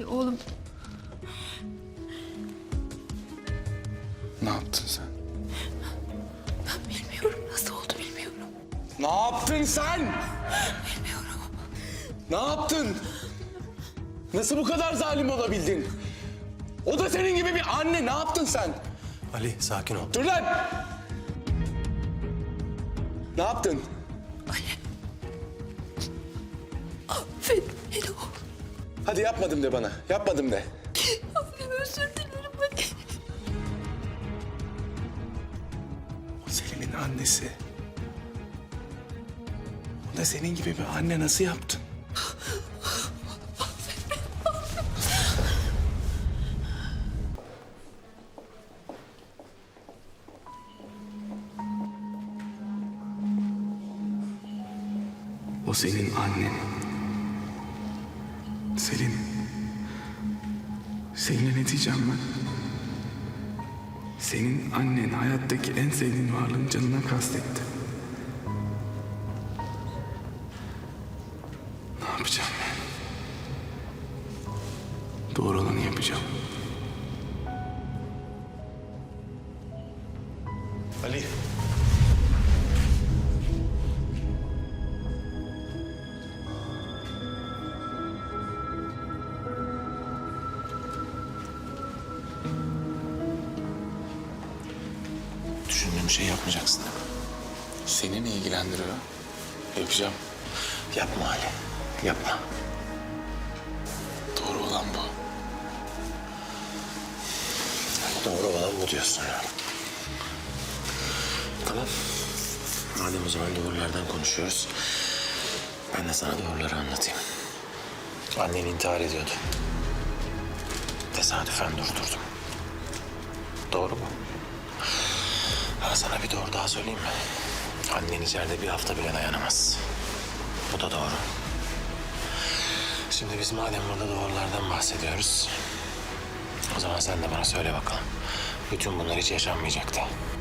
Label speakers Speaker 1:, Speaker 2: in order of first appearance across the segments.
Speaker 1: Oğlum.
Speaker 2: Ne yaptın sen?
Speaker 1: Ben bilmiyorum. Nasıl oldu bilmiyorum.
Speaker 2: Ne yaptın sen?
Speaker 1: Bilmiyorum.
Speaker 2: Ne yaptın? Nasıl bu kadar zalim olabildin? O da senin gibi bir anne. Ne yaptın sen?
Speaker 3: Ali sakin ol.
Speaker 2: Dur lan! Ne yaptın?
Speaker 1: Affet beni oğlum.
Speaker 2: Hadi yapmadım de bana. Yapmadım de.
Speaker 1: Annem özür dilerim ben.
Speaker 2: O Selin'in annesi. O da senin gibi bir anne nasıl yaptın? O senin annen. Selin. Selin'e ne diyeceğim ben? Senin annen hayattaki en sevdiğin varlığın canına kastetti. Ne yapacağım ben? Doğru olanı yapacağım.
Speaker 3: Ali.
Speaker 2: Düşündüğüm şey yapmayacaksın değil mi? Seni ne ilgilendiriyor? Yapacağım.
Speaker 3: Yapma Ali. Yapma.
Speaker 2: Doğru olan bu.
Speaker 3: Doğru olan bu diyorsun ya. Tamam. Madem o zaman doğrulardan konuşuyoruz. Ben de sana doğruları anlatayım. Annen intihar ediyordu. Tesadüfen durdurdum. Doğru mu? Ha, sana bir doğru daha söyleyeyim mi? Annen içeride bir hafta bile dayanamaz. Bu da doğru. Şimdi biz madem burada doğrulardan bahsediyoruz... o zaman sen de bana söyle bakalım. Bütün bunlar hiç yaşanmayacaktı.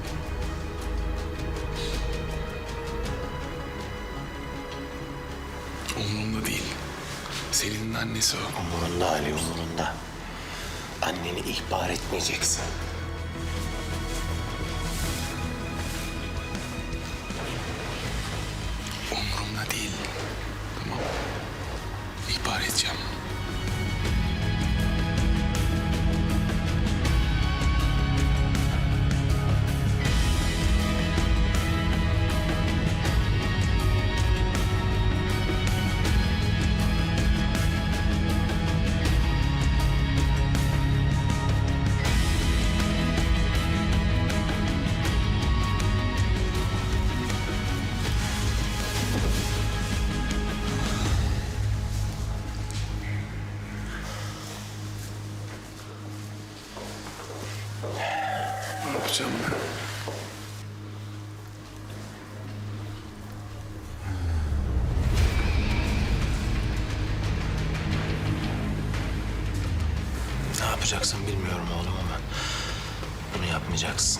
Speaker 2: Umurumda değil. Selin'in annesi o.
Speaker 3: Umurunda Ali, umurunda. Anneni ihbar etmeyeceksin.
Speaker 2: Umurumda değil. Tamam. İhbar edeceğim. Ne yapacağım ben?
Speaker 3: Ne yapacaksın bilmiyorum oğlum ama... bunu yapmayacaksın.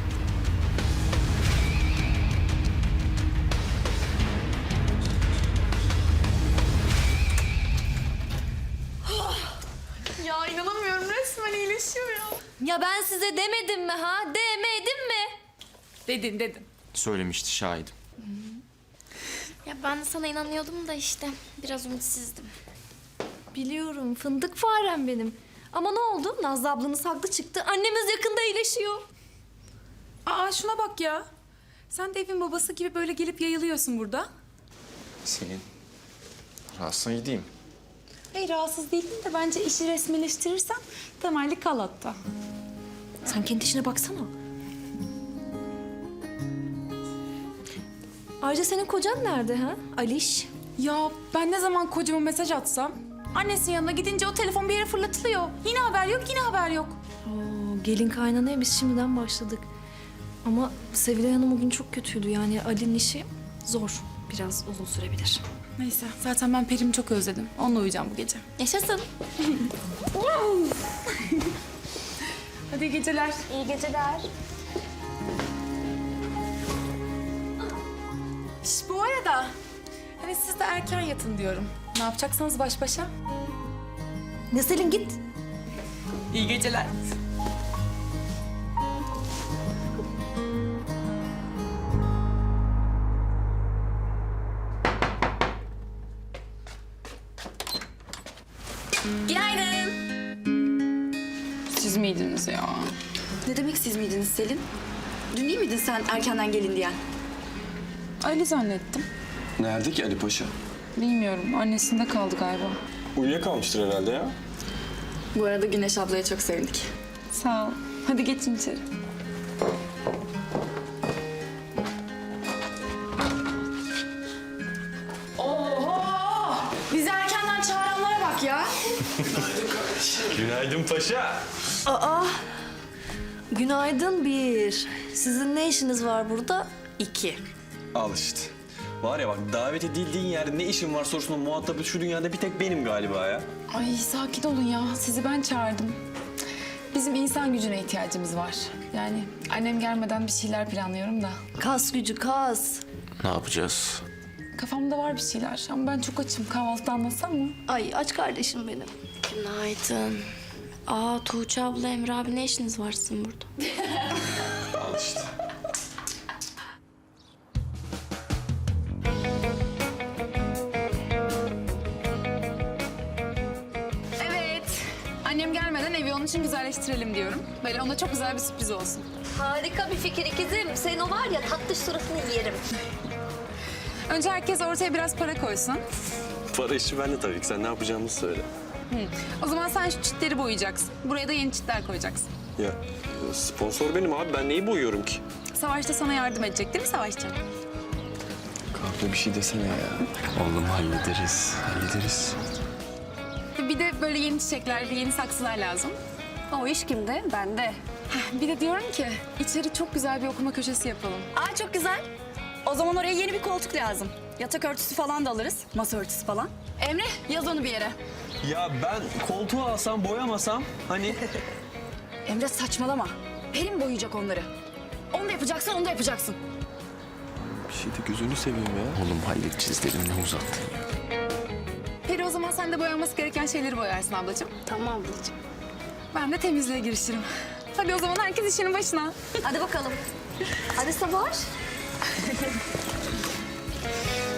Speaker 1: Ya inanamıyorum, resmen iyileşiyor ya.
Speaker 4: Ya ben size demedim mi ha? Demedim mi?
Speaker 1: Dedin.
Speaker 5: Söylemişti şahidim.
Speaker 4: Ya ben de sana inanıyordum da işte biraz ümitsizdim. Biliyorum, fındık farem benim. Ama ne oldu? Nazlı ablanız haklı çıktı. Annemiz yakında iyileşiyor.
Speaker 1: Aa şuna bak ya. Sen de evin babası gibi böyle gelip yayılıyorsun burada.
Speaker 5: Selin, rahatsına gideyim.
Speaker 1: Hayır rahatsız değilim de bence işi resmileştirirsen temelli kal hatta.
Speaker 4: Sen kendi işine baksana. Ayrıca senin kocan nerede ha? Aliş.
Speaker 1: Ya ben ne zaman kocama mesaj atsam annesinin yanına gidince o telefon bir yere fırlatılıyor. Yine haber yok, yine haber yok.
Speaker 4: Oo, gelin kaynanaya biz şimdiden başladık. Ama Sevilay Hanım bugün çok kötüydü. Yani Ali'nin işi zor. Biraz uzun sürebilir.
Speaker 1: Neyse zaten ben Perim'i çok özledim. Onunla uyuyacağım bu gece.
Speaker 4: Yaşasın.
Speaker 1: Hadi iyi geceler.
Speaker 4: İyi geceler.
Speaker 1: Şş, bu arada hani siz de erken yatın diyorum. Ne yapacaksanız baş başa.
Speaker 4: Ne Selin git.
Speaker 1: İyi geceler.
Speaker 4: Günaydın.
Speaker 1: Siz miydiniz ya?
Speaker 6: Ne demek siz miydiniz Selin? Dün değil miydin sen erkenden gelin diyen?
Speaker 1: Ali zannettim.
Speaker 2: Nerede ki Ali Paşa?
Speaker 1: Bilmiyorum. Annesinde kaldı galiba.
Speaker 2: Uyuyakalmıştır herhalde ya.
Speaker 6: Bu arada Güneş ablaya çok sevindik.
Speaker 1: Sağ ol. Hadi geçin içeri.
Speaker 6: Bizi erkenden çağıranlara bak ya.
Speaker 3: Günaydın paşa.
Speaker 4: Günaydın 1. Sizin ne işiniz var burada? 2.
Speaker 7: Al işte. Var ya bak davet edildiğin yerde ne işin var sorusunun muhatabı şu dünyada bir tek benim galiba ya.
Speaker 1: Ay sakin olun ya. Sizi ben çağırdım. Bizim insan gücüne ihtiyacımız var. Yani annem gelmeden bir şeyler planlıyorum da.
Speaker 4: Kas gücü kas.
Speaker 3: Ne yapacağız?
Speaker 1: Kafamda var bir şeyler ama ben çok açım. Kahvaltıda anlatsam mı?
Speaker 4: Ay aç kardeşim benim. Günaydın. Tuğçe abla, Emre abi ne işiniz var sizin burada?
Speaker 7: Al işte.
Speaker 1: Evet. Annem gelmeden evi onun için güzelleştirelim diyorum. Böyle ona çok güzel bir sürpriz olsun.
Speaker 4: Harika bir fikir ikizim. Senin o var ya tatlış suratını yerim.
Speaker 1: Önce herkes ortaya biraz para koysun.
Speaker 7: Para işi bende tabii ki. Sen ne yapacağımızı söyle.
Speaker 1: O zaman sen şu çitleri boyayacaksın. Buraya da yeni çitler koyacaksın.
Speaker 7: Ya sponsor benim abi. Ben neyi boyuyorum ki?
Speaker 1: Savaş da sana yardım edecek değil mi Savaşçı?
Speaker 2: Kahve bir şey desene ya.
Speaker 3: Oğlum hallederiz, hallederiz.
Speaker 1: Bir de böyle yeni çiçekler ve yeni saksılar lazım.
Speaker 6: O iş kimde? Bende.
Speaker 1: Bir de diyorum ki içeri çok güzel bir okuma köşesi yapalım.
Speaker 6: Aa çok güzel. O zaman oraya yeni bir koltuk lazım. Yatak örtüsü falan da alırız. Masa örtüsü falan. Emre yaz onu bir yere.
Speaker 7: Ya ben koltuğu alsam boyamasam hani...
Speaker 6: Emre saçmalama. Pelin boyayacak onları. Onu da yapacaksan onu da yapacaksın.
Speaker 7: Bir şey de gözünü seveyim ya.
Speaker 3: Oğlum halledeceğiz dedim ne uzattın ya.
Speaker 1: Peri o zaman sen de boyanması gereken şeyleri boyarsın ablacığım.
Speaker 4: Tamam ablacığım.
Speaker 1: Ben de temizliğe girişirim. Hadi o zaman herkes işinin başına.
Speaker 4: Hadi bakalım. Hadi Savaş.